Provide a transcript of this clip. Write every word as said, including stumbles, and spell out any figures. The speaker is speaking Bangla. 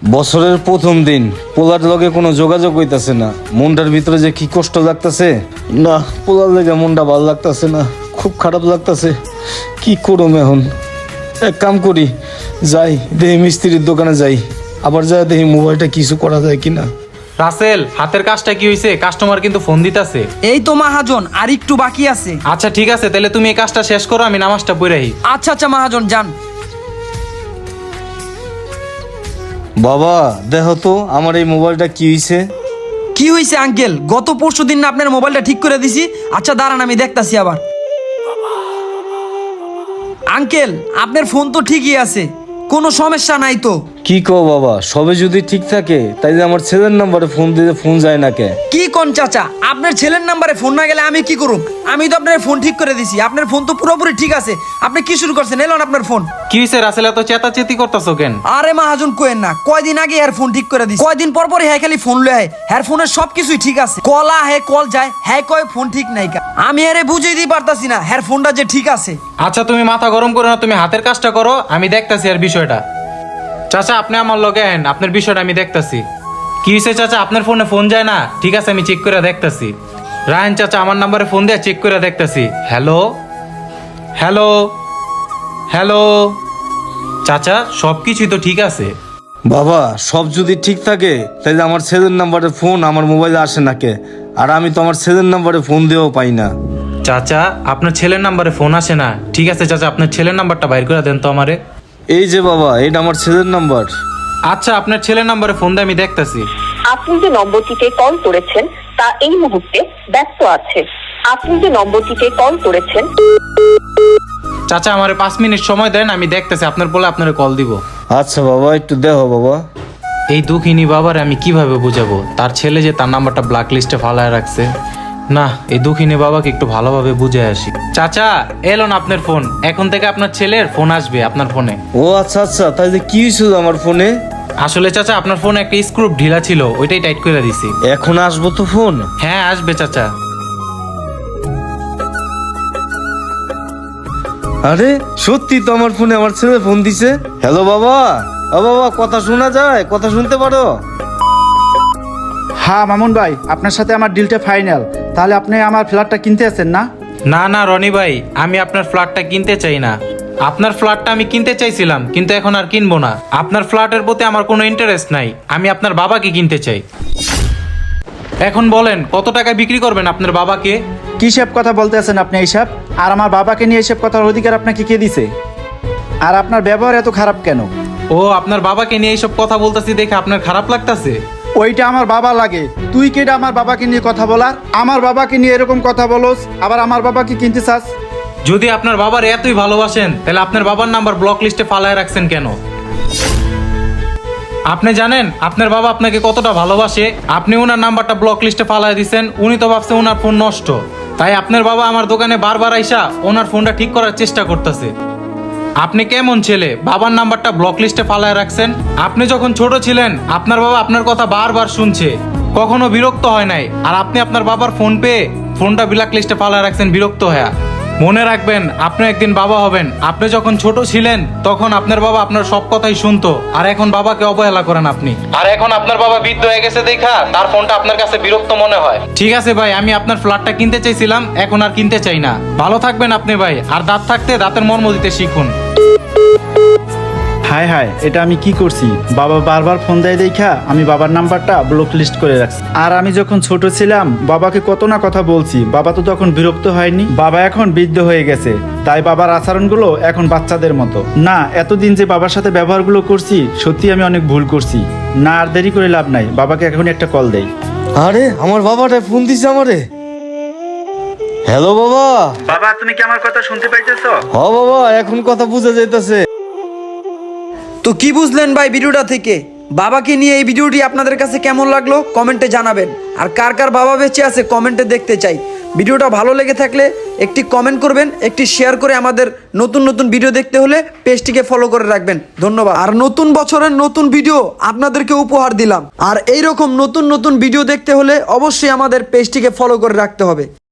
বছরের প্রথম দিন, পোলার লগে কোনো যোগাযোগ হইতাছে না। মনটার ভিতরে যে কি কষ্ট লাগতাছে না, পোলার লেগে মনটা ভালো লাগতাছে না, খুব খারাপ লাগতাছে। কি করুম এখন? এক কাম করি, যাই দেখি মিস্ত্রির দোকানে যাই, আবার যাই দেখি মোবাইলটা কিছু করা যায় কিনা। রাসেল, হাতের কাজটা কি হয়েছে? কাস্টমার কিন্তু ফোন দিতেছে। এই তো মাহাজন, আর একটু বাকি আছে। আচ্ছা ঠিক আছে, তাহলে তুমি এই কাজটা শেষ করো, আমি নামাজটা পড়াই। আচ্ছা আচ্ছা মাহাজন, যান। বাবা দেখো তো আমার এই মোবাইলটা কি হয়েছে। কি হয়েছে আঙ্কেল? গত পরশু দিন না আপনার মোবাইলটা ঠিক করে দিছি। আচ্ছা দাঁড়ান, আমি দেখতাছি আবার। আঙ্কেল, আপনার ফোন তো ঠিকই আছে, কোনো সমস্যা নাই তো? কি কও বাবা, সবে যদি ঠিক থাকে তাইলে আমার ছেলের নাম্বারে ফোন দিতে ফোন যায় না কে? কি কোন চাচা, আপনার ছেলের নাম্বারে ফোন না গেলে আমি কি করুম? আমি তো আপনার ফোন ঠিক করে দিছি, আপনার ফোন তো পুরোপুরি ঠিক আছে। আপনি কি শুরু করছেন? এলেন আপনার ফোন। কি হয়েছে রাসেল, এত চেতাচেতি করতেছো কেন? আরে মাহাজন কোয়েন না, কয়দিন আগে এর ফোন ঠিক করে দিছি। কয়দিন পর পর হ্যাঁ খালি ফোন লয়, হ্যাঁ ফোনের সবকিছুই ঠিক আছে। কলা হ্যাঁ কল যায়, হ্যাঁ কয় ফোন ঠিক নাই কা। আমি আরে বুঝিয়ে দিতে পারতাছি না হ্যাঁ ফোনটা যে ঠিক আছে। আচ্ছা তুমি মাথা গরম করো না, তুমি হাতের কাজটা করো, আমি দেখতাছি আর বিষয়টা। চাচা আপনি আমার লগে আহেন, আপনার বিষয়টা আমি দেখতাছি। কি হয়েছে চাচা, আপনার ফোনে ফোন যায় না? ঠিক আছে, আমি চেক করে দেখতাছি। রায়ন চাচা আমার নাম্বারে ফোন দিয়ে চেক করে দেখতাছি। হ্যালো হ্যালো হ্যালো চাচা, সব কিছুই তো ঠিক আছে। বাবা সব যদি ঠিক থাকে তাহলে আমার ছেলের নাম্বারে ফোন আমার মোবাইলে আসে না কে? আর আমি তো আমার ছেলের নাম্বারে ফোন দিয়েও পাই না। চাচা আপনার ছেলের নাম্বারে ফোন আসে না? ঠিক আছে চাচা, আপনার ছেলের নাম্বারটা বাইর করে দেন তো আমারে। এই যে বাবা, এটা আমার ছেলের নাম্বার। আচ্ছা আপনার ছেলের নাম্বারে ফোন দিয়ে আমি দেখতাছি। আপনি যে নম্বরটিতে কল করেছেন তা এই মুহূর্তে ব্যস্ত আছে। আপনি যে নম্বরটিতে কল করেছেন। চাচা আমারে পাঁচ মিনিট সময় দেন, আমি দেখতেছি, আপনার বলে আপনারে কল দিব। আচ্ছা বাবা, একটু দেখো বাবা। এই দুঃখিনী বাবার আমি কিভাবে বুঝাবো তার ছেলে যে তার নাম্বারটা ব্ল্যাক লিস্টে ফালায় রাখছে। না, এই দুঃখিনী বাবাকে একটু ভালোভাবে বুঝে আসি। চাচা এলো না আপনার ফোন, এখন থেকে আপনার ছেলের ফোন আসবে আপনার ফোনে। ও আচ্ছা আচ্ছা, তাহলে কি হয়েছিল আমার ফোনে? আসলে চাচা আপনার ফোনে একটা স্ক্রু ঢিলা ছিল, ওইটাই টাইট করে দিছি। এখন আসবো তো ফোন? হ্যাঁ আসবে চাচা। আরে সত্যি তো আমার ফোনে আমার ছেলে ফোন দিছে। হ্যালো বাবা। ও বাবা, কথা শোনা যায়? কথা শুনতে পারো? হ্যাঁ মামুন ভাই, আপনার সাথে আমার ডিলটা ফাইনাল। তাহলে আপনি আমার ফ্ল্যাটটা কিনতে আছেন না? না না রনি ভাই, আমি আপনার ফ্ল্যাটটা কিনতে চাই না। আপনার ফ্ল্যাটটা আমি কিনতে চাইছিলাম, কিন্তু এখন আর কিনবো না। আপনার ফ্ল্যাটের প্রতি আমার কোনো ইন্টারেস্ট নাই, আমি আপনার বাবাকে কিনতে চাই। এখন বলেন কত টাকায় বিক্রি করবেন আপনার বাবাকে? কি সব কথা বলতে আছেন আপনি এইসব? আর আমার বাবাকে নিয়ে এসব কথার অধিকার আপনাকে কে দিছে? আর আপনার ব্যবহার এত খারাপ কেন? ও আপনার বাবাকে নিয়ে এইসব কথা বলতেছি দেখে আপনার খারাপ লাগতাছে? ওইটা আমার বাবা লাগে, তুই কেডা আমার বাবাকে নিয়ে কথা বলার? আমার বাবাকে নিয়ে এরকম কথা বলোস, আবার আমার বাবাকে কিনতে চাস? যদি আপনার বাবার এতই ভালোবাসেন তাহলে আপনার বাবার নাম্বার ব্লক লিস্টে ফালায় রাখছেন কেন? আপনি জানেন আপনার বাবা আপনাকে কতটা ভালোবাসে? আপনি ওনার নাম্বারটা ব্লক লিস্টে ফালায় দিছেন, উনি তো ভাবছে ওনার ফোন নষ্ট। তাই আপনার বাবা আমার দোকানে বারবার আইসা ওনার ফোনটা ঠিক করার চেষ্টা করতেছে। আপনি কেমন ছেলে, বাবার নাম্বারটা ব্লক লিস্টে ফালায় রাখছেন? আপনি যখন ছোট ছিলেন আপনার বাবা আপনার কথা বারবার শুনছে, কখনো বিরক্ত হয় নাই। আর আপনি আপনার বাবার ফোন পেয়ে ফোনটা ব্ল্যাক লিস্টে ফালায় রাখছেন বিরক্ত হয়ে। মনে রাখবেন আপনি একদিন বাবা হবেন। আপনি যখন ছোট ছিলেন তখন আপনার বাবা আপনার সব কথাই শুনতো, আর এখন বাবাকে অবহেলা করেন আপনি। আর এখন আপনার বাবা বৃদ্ধ হয়ে গেছে দেখা তার ফোনটা আপনার কাছে বিরক্ত মনে হয়। ঠিক আছে ভাই, আমি আপনার ফ্ল্যাটটা কিনতে চাইছিলাম, এখন আর কিনতে চাই না। ভালো থাকবেন আপনি ভাই, আর দাঁত থাকতে দাঁতের মর্ম দিতে শিখুন। হায় হায়, এটা আমি কি করছি? বাবা বারবার ফোন দেয় দেখা আমি বাবার নাম্বারটা ব্লক লিস্ট করে রাখছি। আর আমি যখন ছোট ছিলাম বাবাকে কত না কথা বলছি, বাবা তো তখন বিরক্ত হয়নি। বাবা এখন বৃদ্ধ হয়ে গেছে, তাই বাবার আচরণগুলো এখন বাচ্চাদের মতো। না, এতদিন যে বাবার সাথে ব্যবহারগুলো করছি সত্যি আমি অনেক ভুল করছি। না আর দেরি করে লাভ নাই, বাবাকে এখন একটা কল দেই। আরে আমার বাবাটা ফোন দিছে আমারে। হ্যালো বাবা। বাবা তুমি কি আমার কথা শুনতে পাইতেছো? হ বাবা, এখন কথা বুঝা যাইতাছে। তো কি বুঝলেন ভাই ভিডিওটা থেকে? বাবাকে নিয়ে এই ভিডিওটি আপনাদের কাছে কেমন লাগলো কমেন্টে জানাবেন। আর কার কার বাবা বেঁচে আছে কমেন্টে দেখতে চাই। ভিডিওটা ভালো লেগে থাকলে একটি কমেন্ট করবেন, একটি শেয়ার করে আমাদের নতুন নতুন ভিডিও দেখতে হলে পেজটিকে ফলো করে রাখবেন। ধন্যবাদ। আর নতুন বছরের নতুন ভিডিও আপনাদেরকে উপহার দিলাম। আর এইরকম নতুন নতুন ভিডিও দেখতে হলে অবশ্যই আমাদের পেজটিকে ফলো করে রাখতে হবে।